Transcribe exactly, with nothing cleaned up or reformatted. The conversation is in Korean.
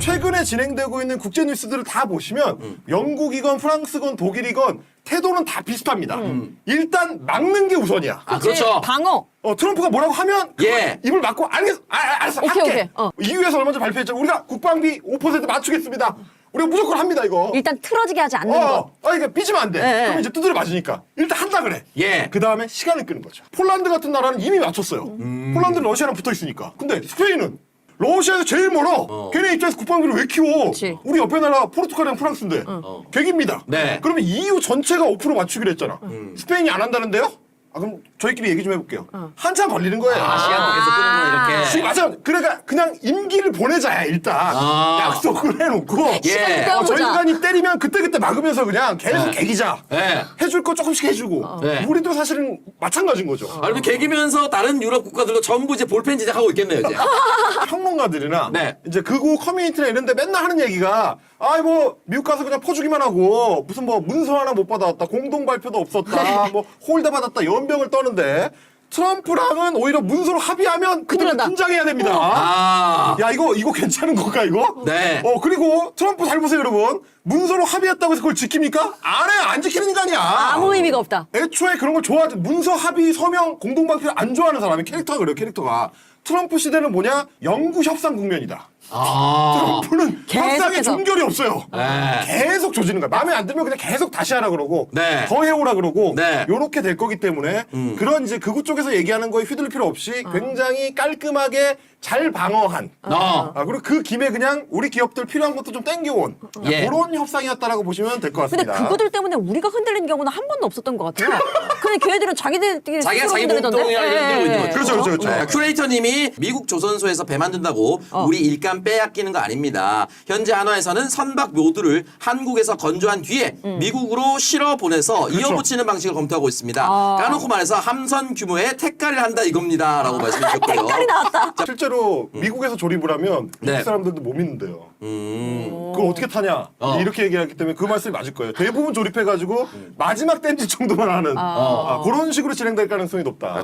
최근에 진행되고 있는 국제 뉴스들을 다 보시면 음. 영국이건 프랑스건 독일이건 태도는 다 비슷합니다. 음. 일단 막는 게 우선이야. 아, 그렇죠. 방어. 어, 트럼프가 뭐라고 하면 예. 입을 막고 알겠어, 아, 아, 알았어, 오케이, 할게. 오케이. 어. 이유에서 얼마 전에 발표했잖아. 우리가 국방비 오 퍼센트 맞추겠습니다. 우리가 무조건 합니다, 이거. 일단 틀어지게 하지 않는 어, 거. 아, 이게 삐지면 안 돼. 예, 그럼 예. 이제 두드려 맞으니까. 일단 한다 그래. 예. 그 다음에 시간을 끄는 거죠. 폴란드 같은 나라는 이미 맞췄어요. 음. 폴란드는 러시아랑 붙어 있으니까. 근데 스페인은 러시아에서 제일 멀어. 어. 걔네 입장에서 국방비를 왜 키워? 그치. 우리 옆에 나라 포르투갈이랑 프랑스인데. 어. 객입니다. 네. 그러면 이유 전체가 오 퍼센트 맞추기로 했잖아. 음. 스페인이 안 한다는데요? 아, 그럼 저희끼리 얘기 좀 해볼게요. 한참 걸리는 거예요. 아, 시간도 계속 끄는 거 지금 이렇게. 맞아. 그러니까 그냥 임기를 보내자야 일단. 아. 약속을 해놓고. 예. 어, 저 때워보자. 인간이 때리면 그때그때 막으면서 그냥 계속 네. 개기자. 네. 해줄 거 조금씩 해주고. 네. 우리도 사실은 마찬가지인 거죠. 아니면 개기면서 다른 유럽 국가들도 전부 이제 볼펜 제작하고 있겠네요, 이제. 평론가들이나 네. 이제 극우 커뮤니티나 이런데 맨날 하는 얘기가 아이 뭐 미국 가서 그냥 퍼주기만 하고 무슨 뭐 문서 하나 못 받아왔다 공동 발표도 없었다 뭐 홀대 받았다 연병을 떠는데 트럼프랑은 오히려 문서로 합의하면 그들은 그들은 다- 긴장해야 됩니다. 아. 야 이거 이거 괜찮은 건가 이거? 네. 어 그리고 트럼프 잘 보세요 여러분. 문서로 합의했다고 해서 그걸 지킵니까? 안 해. 안 지키는 인간이야. 아무 의미가 없다. 애초에 그런 걸 좋아하지. 문서 합의 서명 공동 발표를 안 좋아하는 사람이 캐릭터가 그래요. 캐릭터가. 트럼프 시대는 뭐냐? 영구 협상 국면이다. 아. 트럼프는 협상에 계속해서. 종결이 없어요. 네. 계속 조지는 거야. 마음에 안 들면 그냥 계속 다시 하라 그러고 네. 더 해오라 그러고 네. 요렇게 될 거기 때문에 음. 그런 이제 극우 쪽에서 얘기하는 거에 휘둘릴 필요 없이 어. 굉장히 깔끔하게 잘 방어한 어. 아, 그리고 그 김에 그냥 우리 기업들 필요한 것도 좀 땡겨온 예. 그런 협상이었다라고 보시면 될 것 근데 같습니다. 그거들 때문에 우리가 흔들리는 경우는 한 번도 없었던 것 같아요. 근데 걔네들은 자기들끼리 자기가 스스로 자기 흔들리던데? 몸뚱이를 예, 흔들고 예, 있는 예. 거죠. 그렇죠, 그렇죠, 그렇죠. 네, 큐레이터님이 미국 조선소에서 배 만든다고 어. 우리 일감 빼앗기는 거 아닙니다. 현재 한화에서는 선박 묘두를 한국에서 건조한 뒤에 미국으로 실어 보내서 이어붙이는 방식을 검토하고 있습니다. 아. 까놓고 말해서 함선 규모의 택가를 한다 이겁니다라고 말씀해 주셨고요. 색깔이 나왔다. 자, 실제로 미국에서 조립을 하면 네. 미국 사람들도 못 믿는데요. 음. 그걸 어떻게 타냐 어. 이렇게 얘기하기 때문에 그 말씀이 맞을 거예요. 대부분 조립해가지고 마지막 댐지 정도만 하는 아. 아, 그런 식으로 진행될 가능성이 높다.